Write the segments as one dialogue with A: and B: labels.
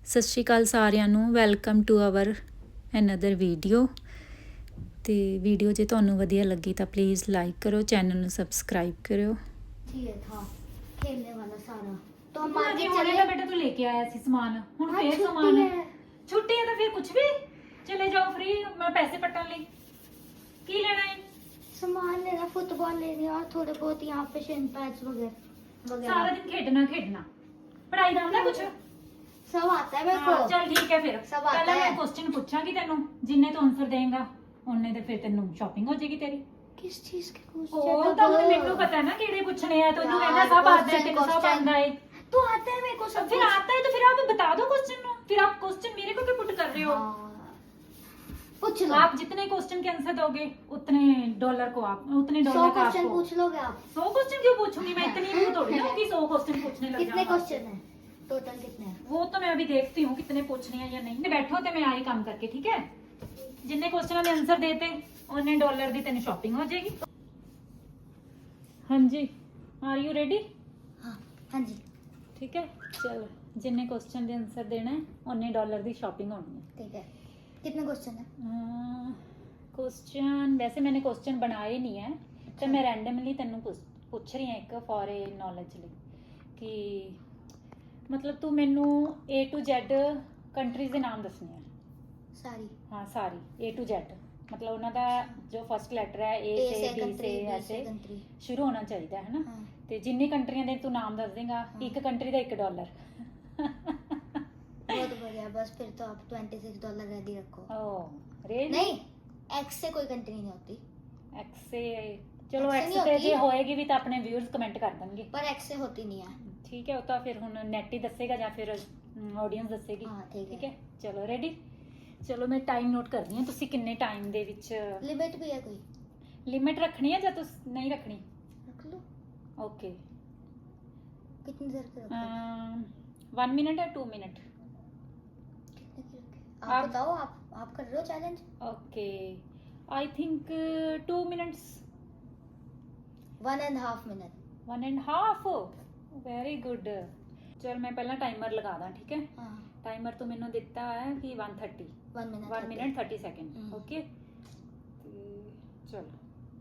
A: ਸਤਿ ਸ਼੍ਰੀ ਅਕਾਲ ਸਾਰਿਆਂ ਨੂੰ। Welcome to our another video. ਤੇ ਵੀਡੀਓ ਜੇ ਤੁਹਾਨੂੰ ਵਧੀਆ ਲੱਗੀ ਤਾਂ ਪਲੀਜ਼ ਲਾਈਕ ਕਰੋ, ਚੈਨਲ ਨੂੰ ਸਬਸਕ੍ਰਾइब करो।
B: ये था खेलने वाला सारा तो हम
C: हाँ जी,
B: मार्केट
C: हुणे
B: चले।
C: तो बेटा तू लेके आया सी सामान, हुण
B: हाँ,
C: फिर
B: छुट्टी
C: सामान है।
B: है।
C: छुट्टी है तो फिर कुछ भी चले जाओ फ्री। मैं पैसे पट्टन ली की लेना है।
B: सामान लेना, फुटबॉल लेनी और थोड़े बहुत यहाँ पे शेन पैड्स
C: सारा
B: वगैरह
C: दिन खेडना खेडना, पढ़ाई दा आंदा कुछ।
B: सब आता है मेरे
C: हाँ,
B: को।
C: चल ठीक है फिर।
B: सब आता
C: पहले
B: है।
C: मैं क्वेश्चन पूछांगी तेनू, जिन्ने तू आंसर देगा उन्ने ते फिर तेनू शॉपिंग हो जाएगी तेरी।
B: किस चीज के
C: ओ
B: क्वेश्चन?
C: तो हुण मैनू पता है ना केड़े पूछने हैं, तैनू
B: यार,
C: कहना सब आता है,
B: question,
C: तेनू सब
B: question।
C: आंदा है।
B: तो आता है मेरे को सब
C: फिर
B: कुछ।
C: आता है तो फिर आप बता दो क्वेश्चन, फिर आप क्वेश्चन मेरे को क्यों पुट कर रहे हो।
B: हाँ। पूछ लो।
C: आप जितने क्वेश्चन के आंसर दोगे उतने डॉलर को आप उतने
B: 100
C: डॉलर का
B: क्वेश्चन
C: आपको।
B: पूछ लोगे आप?
C: 100 क्वेश्चन क्यों पूछूंगी मैं, इतनी भी थोड़ी ना कि 100 क्वेश्चन पूछने लग
B: कितने
C: जाऊं।
B: क्वेश्चन है टोटल? कितने हैं?
C: वो तो मैं अभी देखती हूँ कितने पूछने हैं या नहीं। बैठो तो मैं आई काम करके, ठीक है। जितने क्वेश्चन के आंसर देते उन्ने डॉलर दी तेन शॉपिंग हो जाएगी। हाँ जी, आर यू रेडी?
B: हाँ हाँ जी
C: ठीक है, चलो। जिन्ने क्वेश्चन के आंसर देना है उन्ने डॉलर दी शॉपिंग होनी है।
B: ठीक है। कितने क्वेश्चन है?
C: क्वेश्चन वैसे मैंने क्वेश्चन बनाए नहीं है, तो मैं रैंडमली तेनू पूछ रही हूँ एक फॉर ए नॉलेज ਲਈ कि मतलब तू मैनू A to Z कंट्रीज ਦੇ ਨਾਮ ਦੱਸਣੇ ਆ।
B: सारी।
C: हाँ सारी A to Z, मतलब ਉਹਨਾਂ ਦਾ जो फर्स्ट ਲੈਟਰ है A
B: A
C: से
B: से
C: B
B: कंट्री,
C: से
B: B
C: ऐसे
B: से कंट्री।
C: शुरू होना चाहिए है ना।
B: हाँ।
C: ਤੇ ਜਿੰਨੀ ਕੰਟਰੀਆਂ ਦੇ ਤੂੰ ਨਾਮ ਦੱਸ ਦੇਗਾ, ਇੱਕ ਕੰਟਰੀ ਦਾ $1।
B: बहुत बढ़िया। बस फिर तो आप $26 रेडी रखो।
C: ओ रेड
B: नहीं, एक्स से कोई कंट्री नहीं होती।
C: एक्स से चलो,
B: X से
C: एक्स
B: नहीं
C: ਤੇ
B: होती।
C: ਜੇ ਹੋਏਗੀ ਵੀ ਤਾਂ ਆਪਣੇ ਵਿਊਅਰਸ ਕਮੈਂਟ ਕਰ ਦੇਣਗੇ।
B: पर एक्स से होती नहीं है।
C: ठीक है, वो तो फिर ਹੁਣ ਨੈਟ ਹੀ ਦੱਸੇਗਾ ਜਾਂ ਫਿਰ ਆਡੀਅנס ਦੱਸੇਗੀ।
B: हाँ ठीक
C: ਠੀਕ
B: है।
C: ਹੈ, ਚਲੋ ਰੈਡੀ। ਚਲੋ ਮੈਂ ਟਾਈਮ ਨੋਟ ਕਰਦੀ ਹਾਂ, ਤੁਸੀਂ ਕਿੰਨੇ ਟਾਈਮ ਦੇ ਵਿੱਚ
B: लिमिट भी है कोई?
C: ਲਿਮਿਟ ਰੱਖਣੀ ਹੈ ਜਾਂ ਤੁਸੀਂ ਨਹੀਂ ਰੱਖਣੀ?
B: रख लो।
C: ओके।
B: कितनी देर की रखो?
C: 1 मिनट या 2 मिनट?
B: कितने की रखे?
C: आप-
B: आप बताओ। आप कर रहे हो challenge?
C: Okay, I think 2 minutes.
B: 1.5 minute.
C: 1.5। Very good. चल मैं पहला टाइमर लगा दा, ठीक है।
B: हाँ।
C: टाइमर तो मैंने दिता है कि 1:30
B: 1 minute.
C: 1 minute 30 second.
B: Hmm.
C: Okay, चलो।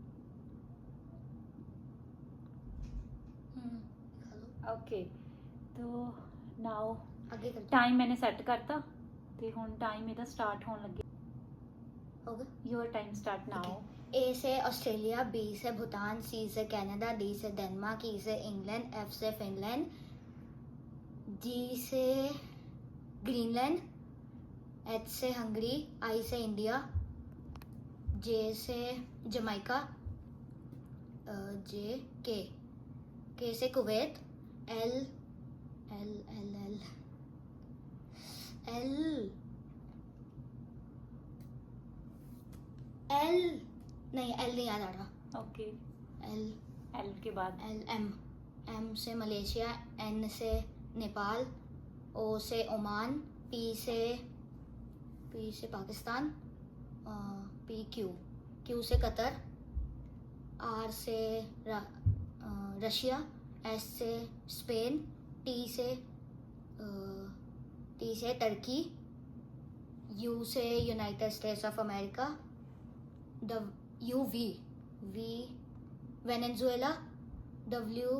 B: खा लो।
C: ओके, तो नाउ
B: आगे कर।
C: टाइम मैंने सेट करता ते हुन टाइम इहदा स्टार्ट होने लगे।
B: हो गया।
C: Your time start now.
B: A से ऑस्ट्रेलिया, बी से भूटान, सी से कनाडा, डी से डेनमार्क, ई से इंग्लैंड, एफ से फिनलैंड, जी से ग्रीनलैंड, एच से हंगरी, आई से इंडिया, जे से जमैका, जे के से Kuwait, L L L L L L नहीं, एल नहीं याद आ रहा।
C: ओके,
B: एल
C: एल के बाद
B: एल एम से मलेशिया, एन से नेपाल, ओ से ओमान, पी से पाकिस्तान, पी क्यू से कतर, आर से रशिया, एस से स्पेन, टी से टर्की, यू से United States of America, V Venezuela, W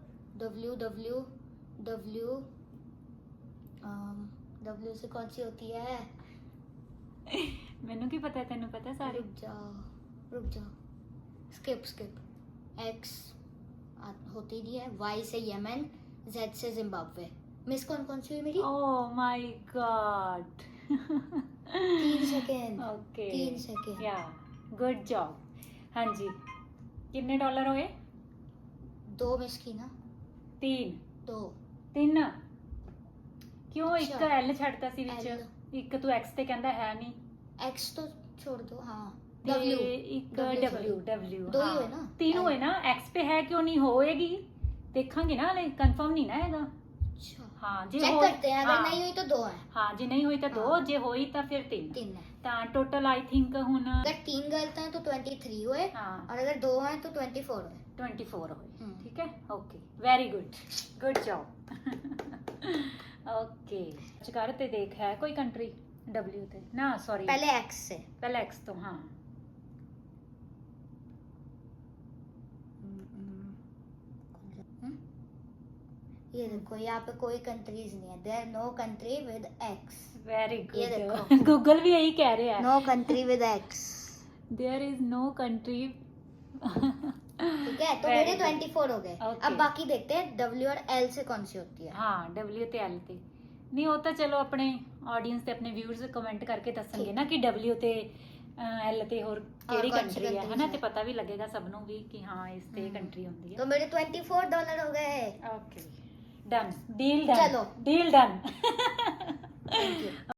B: से कौन सी होती है?
C: मैनू की पता है, तेनू पता है सारी।
B: रुक जाओ। स्किप। एक्स होती नहीं है। वाई से यमन, जेड से जिम्बाब्वे। मिस कौन सी हुई मेरी?
C: Oh my god.
B: 3 second.
C: Okay,
B: 3 second.
C: Yeah good job. हाँ जी, कितने डॉलर होए?
B: 2 मिस की ना?
C: 3
B: 2।
C: 3 क्यों? एक
B: अच्छा।
C: एल छड़ता सी विच,
B: L।
C: एक तू एक्स ते कहंदा है नहीं,
B: एक्स तो छोड़ दो। हाँ।
C: ते
B: डब्ल्यू।
C: एक
B: W,
C: डब्ल्यू
B: sorry।
C: डब्ल्यू।
B: दो ही हुए ना?
C: 3
B: L।
C: हुए ना। एक्स पे है, क्यों नहीं होएगी? देखांगे ना, हले कंफर्म नहीं ना हैगा।
B: अच्छा,
C: हाँ जी,
B: चेक करते हैं। अगर
C: हाँ,
B: नहीं हुई तो 2 है।
C: हाँ जी, नहीं हुई तो 2,
B: हाँ।
C: जे होई तो फिर 3।
B: 3 है।
C: ता टोटल आई थिंक हुन
B: अगर 3 गलत है तो 23 हुए,
C: हाँ
B: और अगर 2 है तो 24 हुए।
C: 24 होए।
B: हम्म।
C: ठीक है, okay, very good, good job. Okay कर ते देख है कोई कंट्री W ते ना सॉरी
B: पहले एक्स से।
C: पहले X तो हाँ
B: ये देखो यहाँ पे कोई कंट्रीज नहीं है, there no country with X.
C: Very
B: ये
C: गुड
B: देखो।
C: गूगल भी यही कह रहे हैं
B: no country with X.
C: There is no country
B: ठीक है, तो
C: Very
B: मेरे
C: good.
B: 24 हो गए।
C: Okay.
B: अब बाकी देखते हैं W और L से कौन सी होती है।
C: हाँ W ਤੇ L ਤੇ ਨਹੀਂ ਉਹ ਤਾਂ ਚਲੋ ਆਪਣੇ ਆਡੀਅנס ਤੇ ਆਪਣੇ ਵਿਊਅਰਸ ਕਮੈਂਟ ਕਰਕੇ ਦੱਸਣਗੇ
B: ਠੀਕ।
C: ਨਾ ਕਿ W ਤੇ L ਤੇ ਹੋਰ ਕਿਹੜੀ
B: ਕੌਣ ਸੀ
C: ਕੰਟਰੀ ਹੈ
B: countries
C: ਹਨਾ
B: ਹੈ।
C: ਤੇ ਪਤਾ ਵੀ ਲੱਗੇਗਾ ਸਭ ਨੂੰ ਵੀ ਕਿ ਹਾਂ ਇਸ ਤੇ ਕੰਟਰੀ ਹੁੰਦੀ
B: तो
C: ਹੈ
B: मेरे $24 हो गए।
C: ਓਕੇ ਡਨ ਡੀਲ ਡਨ
B: ਚਲੋ।
C: Deal done
B: Thank you.